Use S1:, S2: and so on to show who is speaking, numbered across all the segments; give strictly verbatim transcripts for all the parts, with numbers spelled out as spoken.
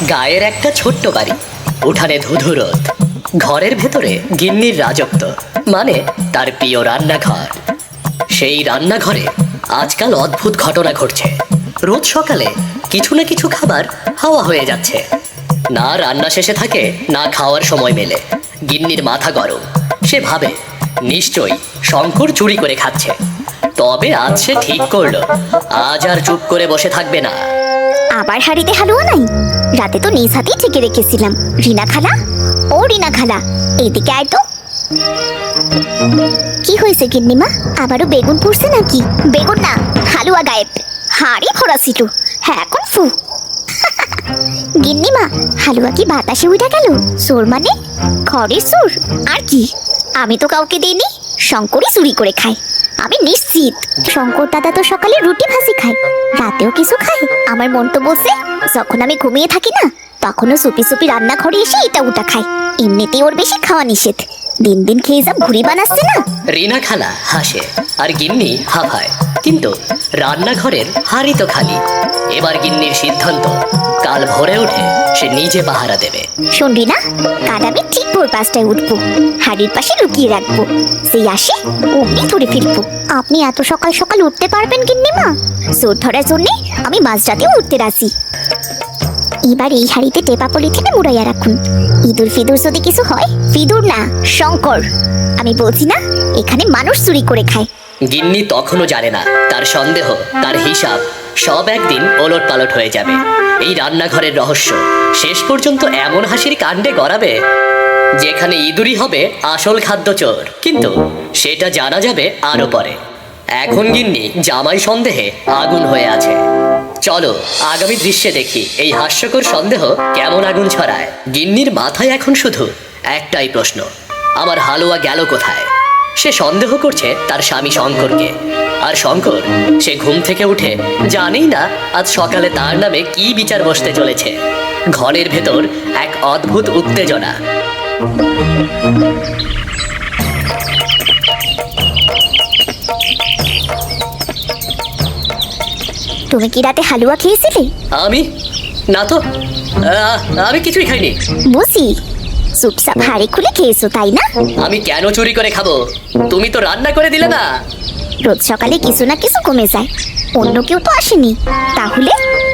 S1: গায়ের একটা ছোট্ট বাড়ি, উঠানে ধুধু রোদ, ঘরের ভেতরে গিন্নির রাজত্ব, মানে তার প্রিয় রান্নাঘর। সেই রান্নাঘরে আজকাল অদ্ভুত ঘটনা ঘটছে। রোজ সকালে কিছু না কিছু খাবার হাওয়া হয়ে যাচ্ছে, না রান্না শেষে থাকে না খাওয়ার সময় মেলে। গিন্নির মাথা গরম, সে ভাবে নিশ্চয়ই শঙ্কর চুরি করে খাচ্ছে। তবে আজ সে ঠিক করলো, আজ আর চুপ করে বসে থাকবে না।
S2: আবার হাড়িতে হালুয়া নাই? রাতে তো নিজ হাতেই ঠেকে রেখেছিলাম। রিনা খালা, ও রিনা খালা, এইদিকে আয় তো। কি হয়েছে গিন্নিমা, আবারও বেগুন পুড়ছে নাকি? বেগুন না, হালুয়া গায়েব। হাড়ি ভরা ছিল, হ্যাঁ এখন ফু। গিন্নিমা, হালুয়া কি বাতাসে উঠে গেল? চোর মানে ঘরের চোর? আর কি, আমি তো কাউকে দিইনি, শঙ্করই চুরি করে খায়। আমি নিশ্চিত শঙ্কর দাদা তো সকালে রুটি ভাজি খায়, রাতেও কিছু খায়। আমার মন তো বলছে যখন আমি ঘুমিয়ে থাকি না, তখনও চুপি চুপি রান্নাঘরে এসে এটা ওটা খায়। এমনিতেই ওর বেশি খাওয়া নিষেধ, দিন দিন খেয়ে যা ভুড়ি বানাচ্ছে না।
S1: রিনা খালা হাসে আর গিন্নি হাফায়, কিন্তু রান্নাঘরের হাড়ি তো খালি। এবার গিন্নির সিদ্ধান্ত, কাল ভোরে উঠে সে নিজে পাহারা দেবে।
S2: শোন রিনা, কাল আমি ঠিক ভোর পাঁচটায় উঠবো, হাড়ির পাশে লুকিয়ে রাখবো, সেই আসে অমনি ধরে ফিরবো। আপনি এত সকাল সকাল উঠতে পারবেন গিন্নিমা? চোর ধরার জন্যে আমি মাঝরাতেও উঠতে রাজি। এবার এই হাড়িতে টেপা পলিথিনে মুড়াইয়া রাখুন। ইঁদুর ফিদুর যদি কিছু হয়, ফিদুর না শঙ্কর, আমি বলছি না এখানে মানুষ চুরি করে খায়।
S1: গিন্নি তখনও জানে না তার সন্দেহ, তার হিসাব সব একদিন ওলট পালট হয়ে যাবে। এই রান্নাঘরের রহস্য শেষ পর্যন্ত এমন হাসির কাণ্ডে গড়াবে যেখানে ইঁদুরই হবে আসল খাদ্য চোর। কিন্তু সেটা জানা যাবে আরো পরে। এখন গিন্নি জামাই সন্দেহে আগুন হয়ে আছে। চলো আগামী দৃশ্যে দেখি এই হাস্যকর সন্দেহ কেমন আগুন ছড়ায়। গিন্নির মাথায় এখন শুধু একটাই প্রশ্ন, আমার হালুয়া গেল কোথায়? সে সন্দেহ করছে তার স্বামী শঙ্করকে, আর শঙ্কর সে ঘুম থেকে উঠে জানেই না আজ সকালে তার নামে কি বিচার বসতে চলেছে। ঘরের ভেতর এক অদ্ভুত উত্তেজনা।
S2: তুমি কি রাতে হালুয়া খেয়েছিলে?
S1: আমি না তো, আহ, আমি কিছুই খাইনি।
S2: বুঝি চুপচাপ হাড়ি খুলে খেয়েছো তাই না?
S1: আমি কেন চুরি করে খাবো? তুমি তো রান্না করে দিলে না।
S2: রোজ সকালে কিছু না কিছু কমে যায়, অন্য কেউ তো আসেনি, তাহলে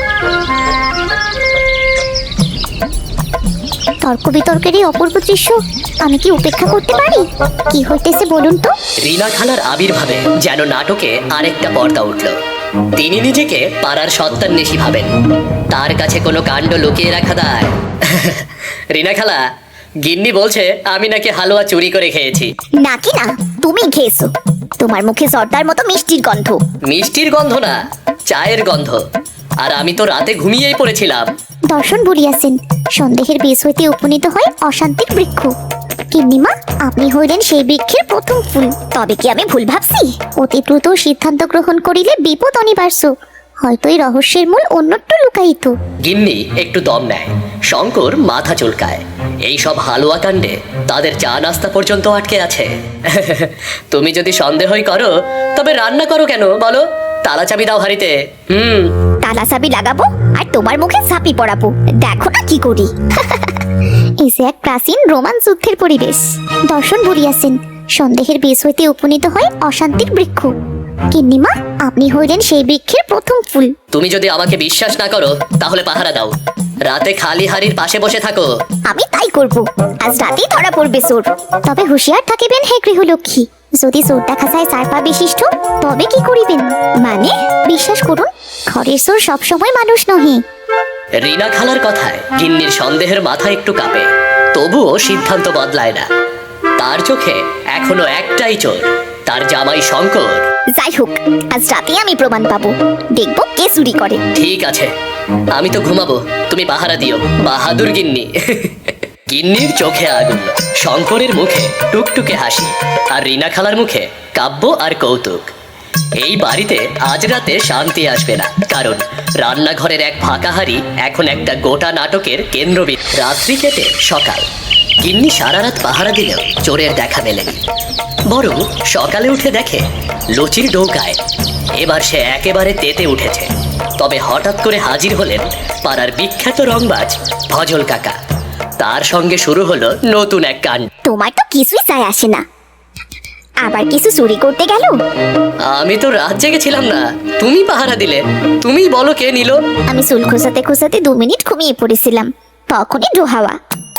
S2: তর্ক বিতর্কের এই অপূর্ব দৃশ্য আমি কি উপেক্ষা করতে পারি? কি হইতেছে বলুন তো?
S1: রিনা খালার আবির্ভাবে যেন নাটকে আরেকটা পর্দা উঠল। তিনি নিজেকে পাড়ার সত্তান্বেষী ভাবেন, তার কাছে কোনো কাণ্ড লুকিয়ে রাখা দায়। রিনা খালা, গিন্নি বলছে আমি নাকি হালুয়া চুরি করে খেয়েছি।
S2: নাকি না, তুমি খেয়েছো। তোমার মুখে জর্দার মতো মিষ্টির গন্ধ।
S1: মিষ্টির গন্ধ না, চায়ের গন্ধ। আর আমি তো রাতে ঘুমিয়েই পড়েছিলাম।
S2: দর্শন বলিয়াছেন, সন্দেহের বীজ হইতে উপনীত হয় অশান্তির বৃক্ষ। গিন্নিমা, আপনি হইলেন সেই বৃক্ষের প্রথম ফুল। তবে কি আমি ভুল ভাবছি? অতি দ্রুত সিদ্ধান্ত গ্রহণ করিলে বিপদ অনিবার্য। হয়তো এই রহস্যের মূল অন্যত্র লুকায়িত।
S1: গিন্নি একটু দম নেয়, শঙ্কর মাথা চুলকায়। এই সব হালুয়া কাণ্ডে তাদের চা নাস্তা পর্যন্ত আটকে আছে। তুমি যদি সন্দেহই করো তবে রান্না করো কেন বলো? তালা চাবি দাও হাড়িতে। হুম,
S2: তালা চাবি লাগাবো আর তোমার মুখে ঝাঁপি পড়াবো, দেখো না কি করি। এই যে এক প্রাচীন রোমান যুদ্ধের পরিবেশ। দর্শন বলিয়াছেন, সন্দেহের বীজ হইতে উপনীত হয় অশান্তির বৃক্ষ। গিন্নিমা, আপনি হইলেন সেই বৃক্ষের প্রথম ফুল।
S1: তুমি যদি আমাকে বিশ্বাস না করো তাহলে পাহারা দাও, রাতে খালি হাড়ির পাশে বসে থাকো।
S2: আমি তাই করব, আজ রাতেই ধরা পড়বে চোর। তবে হুঁশিয়ার থাকিবেন হে গৃহলক্ষ্মী, যদি চোর দেখা যায় চার পা বিশিষ্ট, তবে কি করিবেন? মানে বিশ্বাস করুন, ঘরের চোর সবসময় মানুষ নহে।
S1: রিনা খালার কথায় গিন্নির সন্দেহের মাথা একটু কাঁপে, তবুও সিদ্ধান্ত বদলায় না। তার চোখে এখনো একটাই চোর, তার জামাই শঙ্কর।
S2: যাই হোক, আজ রাতে আমি প্রমাণ পাবো, দেখবো কে চুরি করে।
S1: ঠিক আছে, আমি তো ঘুমাবো, তুমি পাহারা দিও, বাহাদুর গিন্নি। গিন্নির চোখে আগুন, শঙ্করের মুখে টুকটুকে হাসি, আর রিনা খালার মুখে কাব্য আর কৌতুক। এই বাড়িতে আজ রাতে শান্তি আসবে না, কারণ রান্নাঘরের এক ফাঁকা হাড়ি এখন একটা গোটা নাটকের কেন্দ্রবিন্দু। রাত্রি কেটে সকাল। গিন্নি সারা রাত পাহারা দিলেও চোরের দেখা মেলেনি, বরং সকালে উঠে দেখে লুচির ডৌকায় এবার সে একেবারে তেতে উঠেছে। তবে হঠাৎ করে হাজির হলেন পাড়ার বিখ্যাত রংবাজ ভজল কাকা। তার সঙ্গে শুরু হলো নতুন এক কাণ্ড।
S2: তোমার তো কিছুই চাই আসে না, আবার কিছু চুরি করতে গেল।
S1: আমি তো রাত জেগেছিলাম না, তুমি পাহারা দিলে। তুমি বলো কে নিল?
S2: আমি চুল খোঁচাতে খোঁচাতে দু মিনিট ঘুমিয়ে পড়েছিলাম, তখনই ডোহাওয়া।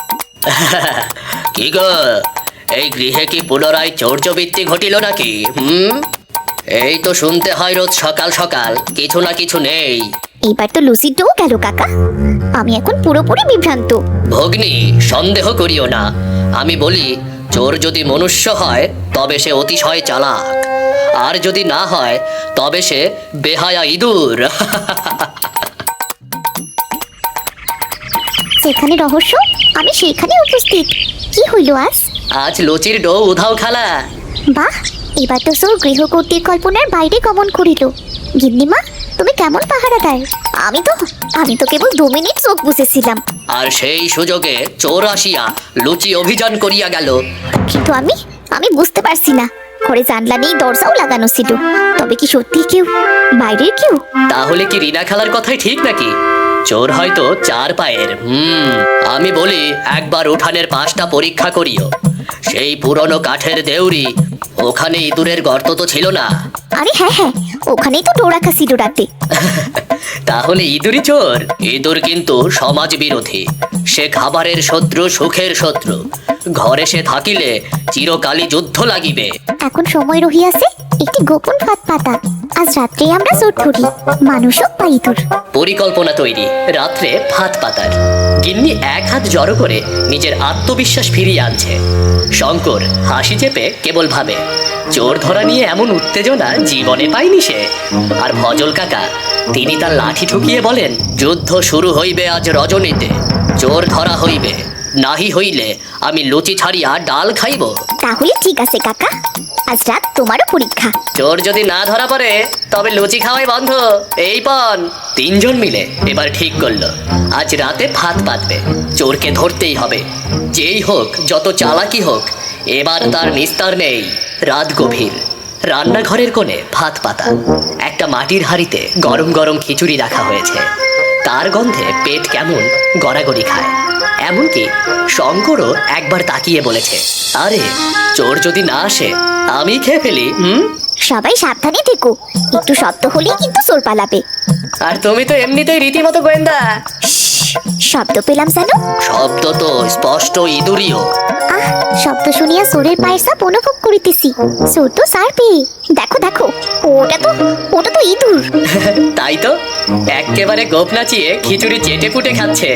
S1: কি গো, এই গৃহে কি পুনরায় চৌর্যবৃত্তি ঘটিল নাকি? হুম, এই তো শুনতে হয় রোজ সকাল সকাল কিছু না কিছু নেই।
S2: এবার তো লুসির ডো গেল কাকা, আমি এখন পুরোপুরি বিভ্রান্ত।
S1: ভগ্নী, সন্দেহ করিও না। আমি বলি, চোর যদি মনুষ্য হয় তবে সে অতিশয় চালাক, আর যদি না হয় তবে সে বেহায়া ইঁদুর।
S2: যেখানে রহস্য আমি সেখানে উপস্থিত। কি হইল আজ?
S1: আজ লুচির ডো উধাও খালা।
S2: বাহ, এবার তো সব গৃহকর্ত্রীর কল্পনার বাইরে গমন করিল। গিন্নিমা, তুমি কেমন পাহারাদার? আমি তো আমি তো কেবল দু মিনিট চোখ বুঝেছিলাম,
S1: আর সেই সুযোগে চোর আসিয়া লুচি অভিযান করিয়া গেল।
S2: কিন্তু আমি আমি বুঝতে পারছি না। ঘরে জানলা নেই, দরজাও লাগানো ছিল। তবে কি সত্যি কেউ, বাইরের কেউ?
S1: তাহলে কি রিনা খালার কথাই ঠিক নাকি? চোর হয়তো চার পায়ের। হুম, আমি বলি একবার উঠানের পাশটা পরীক্ষা করিও। সেই পুরনো কাঠের দেউরি, ওখানে ইঁদুরের গর্ত তো ছিল না?
S2: আরে হ্যাঁ হ্যাঁ, ওখানেই তো ডোর রাখা ছিল রাতে।
S1: তাহলে ইঁদুরই চোর? ইঁদুর কিন্তু সমাজ বিরোধী। সে খাবারের শত্রু, সুখের শত্রু। ঘরে সে থাকিলে চিরকালই যুদ্ধ লাগিবে।
S2: এখন সময় রহিয়াছে একটি গোপন ফাঁদ পাতা। আজ রাত্রে আমরা চোর ধরি, মানুষ হোক বা ইঁদুর।
S1: পরিকল্পনা তৈরি, রাত্রে ফাঁদ পাতার। গিন্নি এক হাত জড়ো করে নিজের আত্মবিশ্বাস ফিরিয়ে আনছে। শঙ্কর হাসি চেপে কেবল ভাবে, চোর ধরা নিয়ে এমন উত্তেজনা জীবনে পায়নি সে। আর ভজল কাকা, তিনি তার লাঠি ঠুকিয়ে বলেন, যুদ্ধ শুরু হইবে আজ রজনীতে। চোর ধরা হইবে, নাহি হইলে আমি লুচি ছাড়িয়া ডাল খাইব।
S2: তাহলে ঠিক আছে কাকা, আজ রাত তোমারও পরীক্ষা।
S1: চোর যদি না ধরা পড়ে তবে লুচি খাওয়াই বন্ধ। এই পণ। তিনজন মিলে এবার ঠিক করলো, আজ রাতে ফাঁদ পাতবে। চোরকে ধরতেই হবে, যেই হোক, যত চালাকি হোক। এবার তার নিস্তার নেই। রাত গভীর, রান্নাঘরের কোণে ফাঁদ পাতা। একটা মাটির হাঁড়িতে গরম গরম খিচুড়ি রাখা হয়েছে। তার গন্ধে পেট কেমন গড়াগড়ি খায়। এমনকি শঙ্করও একবার তাকিয়ে বলেছে, আরে চোর যদি না আসে আমি খেয়ে ফেলি। হুম,
S2: সবাই সাবধানে থেকো, একটু শব্দ হলেই কিন্তু চোর পালাবে।
S1: আর তুমি তো এমনিতেই রীতিমতো গোয়েন্দা।
S2: শব্দ পেলাম যেন।
S1: শব্দ তো স্পষ্ট ইঁদুরিও।
S2: আহ, শব্দ শুনিয়া চোরের পায়ের চাপ অনুভব করিতেছি। চোর তো সার পেয়ে, দেখো দেখো, ওটা তো ওটা তো ইঁদুর।
S1: তাই তো, একেবারে গোপ নাচিয়ে খিচুড়ি চেটে পুটে খাচ্ছে।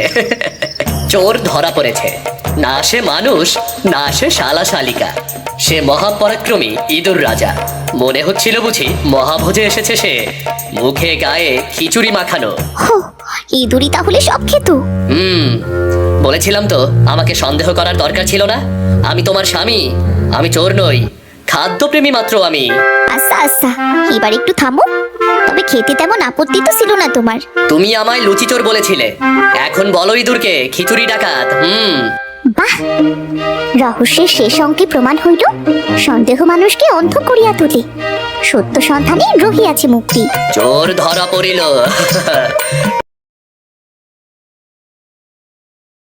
S1: চোর ধরা পড়েছে। না সে মানুষ, না সে শালা শালিকা। সে মহাপরাক্রমী ইঁদুর রাজা। মনে হচ্ছিল বুঝি মহাভোজে এসেছে সে। মুখে গায়ে খিচুড়ি মাখানো।
S2: হো, ইঁদুরই তাহলে সব খেত।
S1: হুম, বলেছিলাম তো আমাকে সন্দেহ করার দরকার ছিল না। আমি তোমার স্বামী, আমি চোর নই, খাদ্যপ্রেমী মাত্র আমি।
S2: আচ্ছা আচ্ছা, এবার একটু থামো। তবে খেতে তেমন আপত্তি তো ছিল না তোমার।
S1: তুমি আমায় লুচি চোর বলেছিলে, এখন বলো ইঁদুরকে খিচুড়ি ডাকাত। হুম,
S2: বাহ, রহস্যের শেষ অঙ্কে প্রমাণ হইল সন্দেহ মানুষকে অন্ধ করিয়া তোলে। সত্য সন্ধানে রহিয়াছে মুক্তি।
S1: চোর ধরা পড়িল।